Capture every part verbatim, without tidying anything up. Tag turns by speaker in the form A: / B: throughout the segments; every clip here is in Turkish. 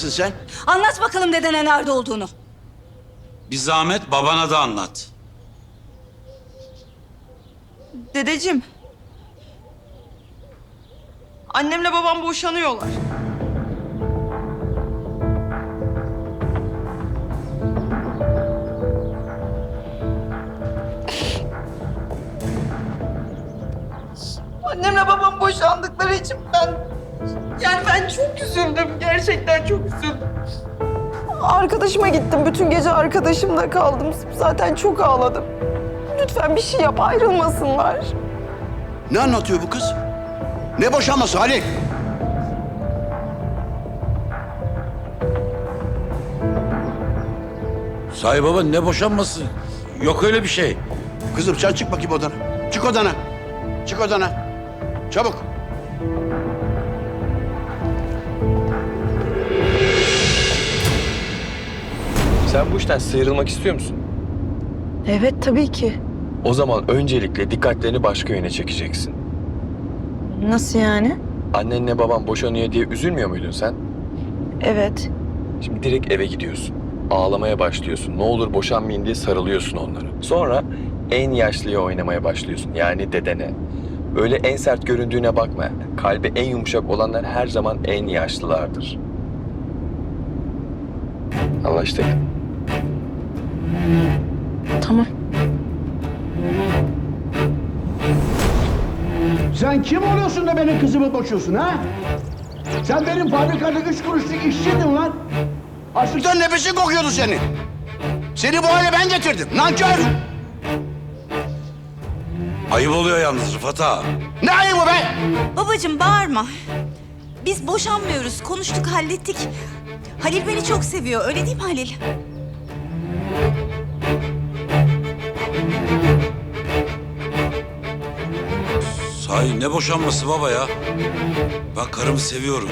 A: mısın sen?
B: Anlat bakalım dedene nerede olduğunu.
C: Bir zahmet babana da anlat.
D: Dedeciğim. Annemle babam boşanıyorlar. Annemle babam boşandıkları için ben... Yani ben çok üzüldüm. Gerçekten çok üzüldüm. Arkadaşıma gittim. Bütün gece arkadaşımda kaldım. Zaten çok ağladım. Lütfen bir şey yap, ayrılmasınlar.
A: Ne anlatıyor bu kız? Ne boşanması Halil?
C: Sahi baba ne boşanması? Yok öyle bir şey.
A: Kızım sen çık bakayım odana. Çık odana. Çık odana. Çabuk.
E: Sen bu işten sıyrılmak istiyor musun?
D: Evet, tabii ki.
E: O zaman öncelikle dikkatlerini başka yöne çekeceksin.
D: Nasıl yani?
E: Annenle baban boşanıyor diye üzülmüyor muydun sen?
D: Evet.
E: Şimdi direkt eve gidiyorsun. Ağlamaya başlıyorsun. Ne olur boşanmayın diye sarılıyorsun onlara. Sonra en yaşlıya oynamaya başlıyorsun. Yani dedene. Öyle en sert göründüğüne bakma. Kalbi en yumuşak olanlar her zaman en yaşlılardır. Anlaştık.
D: Tamam.
F: Sen kim oluyorsun da benim kızımı boşuyorsun ha? Sen benim fabrikada üç kuruşluk işçiydin lan.
A: Açlıktan nefesin kokuyordu senin. Seni bu hale ben getirdim. Nankör.
C: Ayıp oluyor yalnız Rıfat ağa.
A: Ne ayıbı be?
B: Babacığım bağırma. Biz boşanmıyoruz. Konuştuk, hallettik. Halil beni çok seviyor. Öyle değil mi Halil?
C: Sahi ne boşanması baba ya? Ben karımı seviyorum.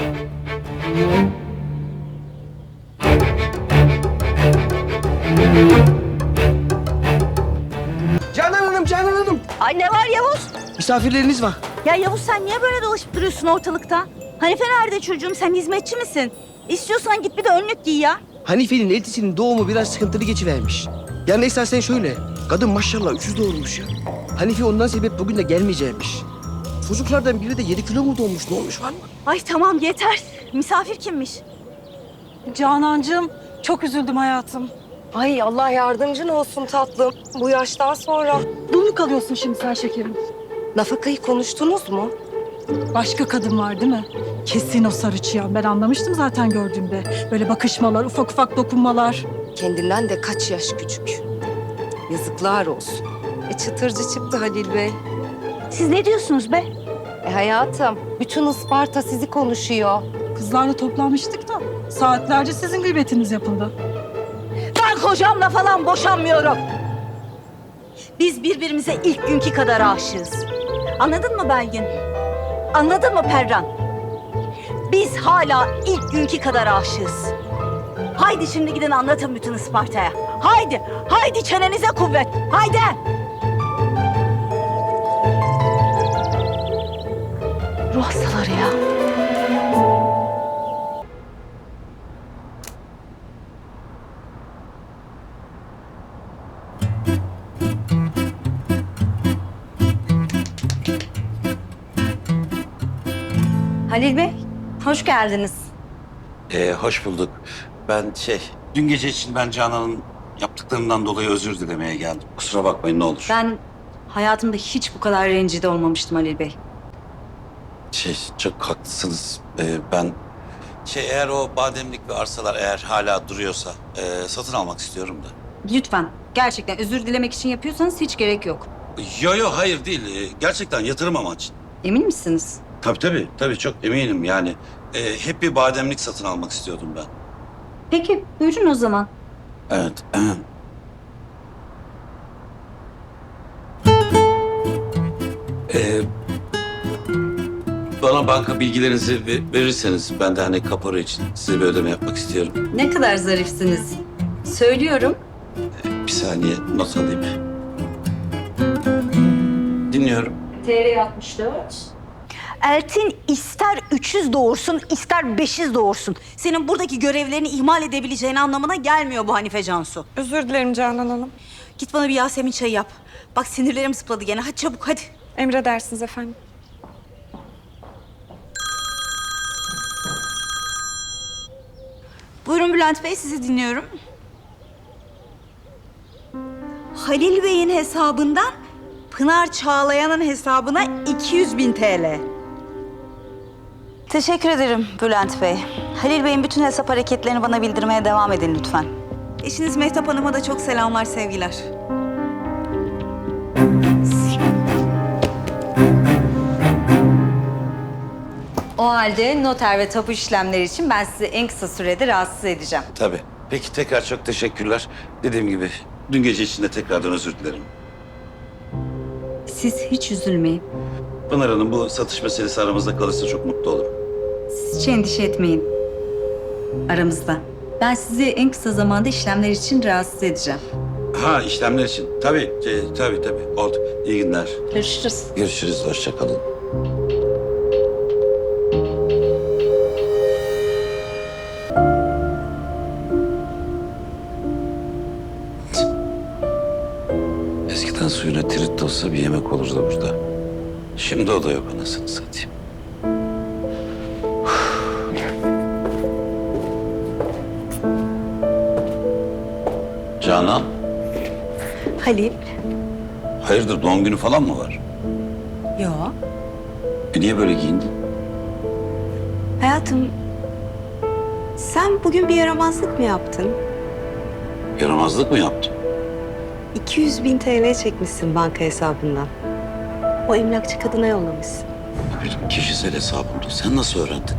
G: Canan Hanım, Canan Hanım.
B: Ay ne var Yavuz?
G: Misafirleriniz var.
B: Ya Yavuz sen niye böyle dolaşıp duruyorsun ortalıkta? Hanife nerede çocuğum? Sen hizmetçi misin? İstiyorsan git bir de önlük giy ya.
G: Hanife'nin eltisinin doğumu biraz sıkıntılı geçivermiş. Yani esasen şöyle, kadın maşallah üçüz doğurmuş ya. Hanife ondan sebep bugün de gelmeyecekmiş. Çocuklardan biri de yedi kilo mu doğmuş, ne olmuş var mı?
B: Ay tamam yeter. Misafir kimmiş?
H: Canancığım, çok üzüldüm hayatım.
D: Ay Allah yardımcın olsun tatlım. Bu yaştan sonra.
H: Dul mu kalıyorsun şimdi sen şekerim?
D: Nafakayı konuştunuz mu?
H: Başka kadın var değil mi? Kesin o sarı çıyan. Ben anlamıştım zaten gördüğümde. Böyle bakışmalar, ufak ufak dokunmalar.
D: Kendinden de kaç yaş küçük. Yazıklar olsun. E çıtırcı çıktı Halil Bey.
B: Siz ne diyorsunuz be?
D: E hayatım, bütün Isparta sizi konuşuyor.
H: Kızlarla toplanmıştık da saatlerce sizin gıybetiniz yapıldı.
B: Ben kocamla falan boşanmıyorum. Biz birbirimize ilk günkü kadar aşığız. Anladın mı Belgin? Anladın mı Perran? Biz hala ilk günkü kadar aşığız. Haydi şimdi gidin anlatın bütün Isparta'ya. Haydi, haydi çenenize kuvvet. Haydi. Ruh hastaları ya. Halil Bey, hoş geldiniz.
C: Ee, hoş bulduk. Ben şey, dün gece için ben Canan'ın yaptıklarından dolayı özür dilemeye geldim. Kusura bakmayın ne olur.
B: Ben hayatımda hiç bu kadar rencide olmamıştım Halil Bey.
C: Şey, çok haklısınız. Ee, ben şey eğer o bademlik ve arsalar eğer hala duruyorsa e, satın almak istiyorum da.
B: Lütfen, gerçekten özür dilemek için yapıyorsanız hiç gerek yok.
C: Yo yo hayır değil. Ee, gerçekten yatırım amaçlı.
B: Emin misiniz?
C: Tabii tabii. Tabii çok eminim yani. Ee, hep bir bademlik satın almak istiyordum ben.
B: Peki, buyurun o zaman.
C: Evet. Ee, bana banka bilgilerinizi ve- verirseniz ben de hani kapora için size bir ödeme yapmak istiyorum.
B: Ne kadar zarifsiniz. Söylüyorum.
C: Bir saniye not alayım. Dinliyorum.
B: T R altmış dört. Eltin ister üç yüz doğursun, ister beş yüz doğursun. Senin buradaki görevlerini ihmal edebileceğin anlamına gelmiyor bu Hanife Cansu.
D: Özür dilerim Canan Hanım.
B: Git bana bir Yasemin çayı yap. Bak sinirlerim zıpladı gene. Hadi çabuk hadi.
D: Emredersiniz efendim.
B: Buyurun Bülent Bey, sizi dinliyorum. Halil Bey'in hesabından Pınar Çağlayan'ın hesabına iki yüz bin T L. Teşekkür ederim Bülent Bey. Halil Bey'in bütün hesap hareketlerini bana bildirmeye devam edin lütfen. Eşiniz Mehtap Hanım'a da çok selamlar, sevgiler. O halde noter ve tapu işlemleri için ben sizi en kısa sürede rahatsız edeceğim.
C: Tabii. Peki tekrar çok teşekkürler. Dediğim gibi dün gece için de tekrardan özür dilerim.
B: Siz hiç üzülmeyin.
C: Pınar Hanım bu satış meselesi aramızda kalırsa çok mutlu olurum.
B: Siz hiç endişe etmeyin. Aramızda. Ben sizi en kısa zamanda işlemler için rahatsız edeceğim.
C: Ha işlemler için. Tabii, e, tabii tabii. Oldu. İyi günler.
B: Görüşürüz.
C: Görüşürüz. Hoşça kalın. Eskiden suyuna tirit olsa bir yemek olurdu burada. Şimdi o da yok anasını satayım. Canan,
B: Halil.
C: hayırdır doğum günü falan mı var?
B: Yo.
C: E niye böyle giyindin?
B: Hayatım, sen bugün bir yaramazlık mı yaptın?
C: Yaramazlık mı yaptın?
I: iki yüz bin T L çekmişsin banka hesabından. O emlakçı kadına yollamışsın.
C: Benim kişisel hesabımda. Sen nasıl öğrendin?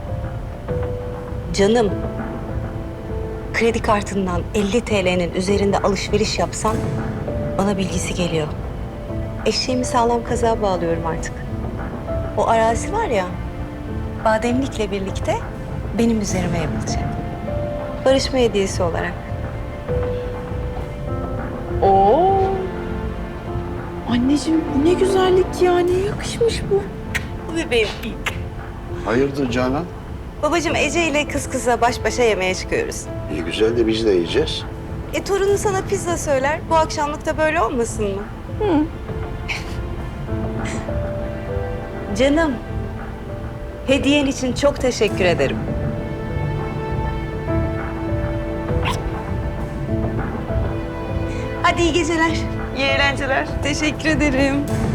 I: Canım, kredi kartından elli T L'nin üzerinde alışveriş yapsan bana bilgisi geliyor. Eşeğimi sağlam kazığa bağlıyorum artık. O arazi var ya, bademlikle birlikte benim üzerime yapılacak. Barışma hediyesi olarak.
D: Oo. Anneciğim bu ne güzellik ya. Ne yakışmış bu.
I: Bu bebeğim.
A: Hayırdır Canan?
I: Babacığım Ece ile kız kıza baş başa yemeğe çıkıyoruz.
A: İyi güzel de biz de yiyeceğiz.
I: E torunun sana pizza söyler. Bu akşamlık da böyle olmasın mı? Hı. Canım. Hediyen için çok teşekkür ederim.
B: Hadi iyi geceler.
D: İyi eğlenceler. Teşekkür ederim.